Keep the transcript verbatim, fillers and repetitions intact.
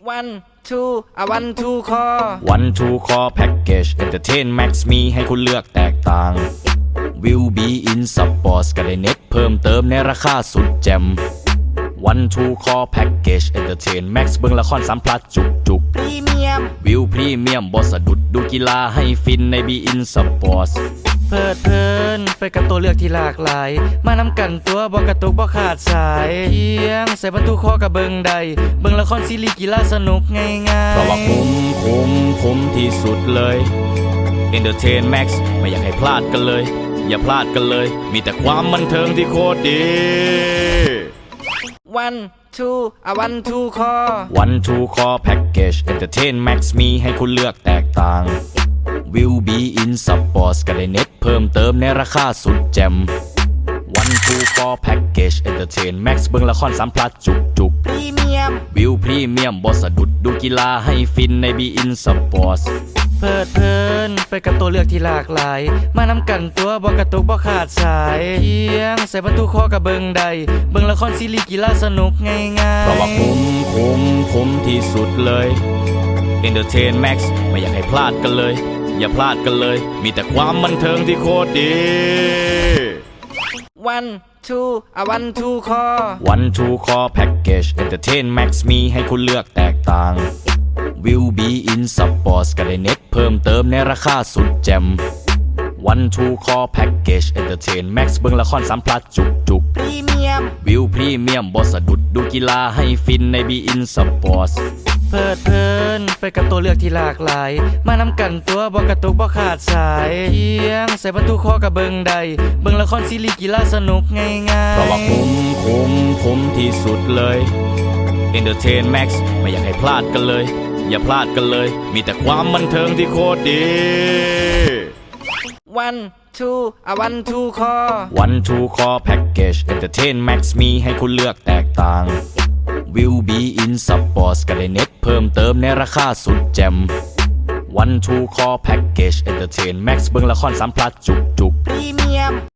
one two อ่ะ one two คอ one two core package entertain max มีให้คุณเลือกแตกต่าง will be in sports ก็ได้เน็ตเพิ่มเติมในราคาสุดแจ่ม one two core package entertain max เบิ่งละครสามพลัดจุกจุกพรีเมียมวิวพรีเมียมบอสะดุดดูกีฬาให้ฟินใน be in sports เพลิดเพลินไปกับตัวเลือกที่หลากหลายมานำกันตัวบ่กระตุกบ่ขาดสายเพียงใส่บรรทุกคอกับเบิงใดเบิงละครซีรีส์กีฬาสนุกง่ายๆเพราะว่าคุ้มคุ้มคุ้มที่สุดเลย entertain max ไม่อยากให้พลาดกันเลย อย่าพลาดกันเลย มีแต่ความบันเทิงที่โคตรดี one two อ่ะ one two คอ one two core package entertain max มีให้คุณเลือกแตกต่าง will be in sports ก็ได้เน็ตเพิ่มเติมในราคาสุดแจ่ม one two core package entertain max เบิ่งละครสามพลัดจุกจุกพรีเมียมวิวพรีเมียมบอสะดุดดูกีฬาให้ฟินใน be in sports เพลิดเพลินไปกับตัวเลือกที่หลากหลายมานำกันตัวบ่กระตุกบ่ขาดสายเพียงใส่บรรทุกคอกับเบิงใดเบิงละครซีรีส์กีฬาสนุกง่ายๆเพราะว่าคุ้มคุ้มคุ้มที่สุดเลย entertain max ไม่อยากให้พลาดกันเลย อย่าพลาดกันเลย มีแต่ความบันเทิงที่โคตรดี one two อ่ะ one two คอ one two core package entertain max มีให้คุณเลือกแตกต่าง will be in sports ก็ได้เน็ตเพิ่มเติมในราคาสุดแจ่ม one two core package entertain max เบิ่งละครสามพลัดจุกจุกพรีเมียมวิวพรีเมียมบอสะดุดดูกีฬาให้ฟินใน be in sports เพลิดเพลินไปกับตัวเลือกที่หลากหลายมานำกันตัวบ่กระตุกบ่ขาดสายเพียงใส่บรรทุกคอกับเบิงใดเบิงละครซีรีส์กีฬาสนุกง่ายๆเพราะว่าคุ้มคุ้มคุ้มที่สุดเลย entertain max ไม่อยากให้พลาดกันเลย อย่าพลาดกันเลย มีแต่ความบันเทิงที่โคตรดี one two อ่ะ one two คอ one two core package entertain max มีให้คุณเลือกแตกต่าง will be in sports ก็ได้เน็ตเพิ่มเติมในราคาสุดแจ่ม one two core package entertain max เบิ่งละครสามพลัดจุกจุกพรีเมียม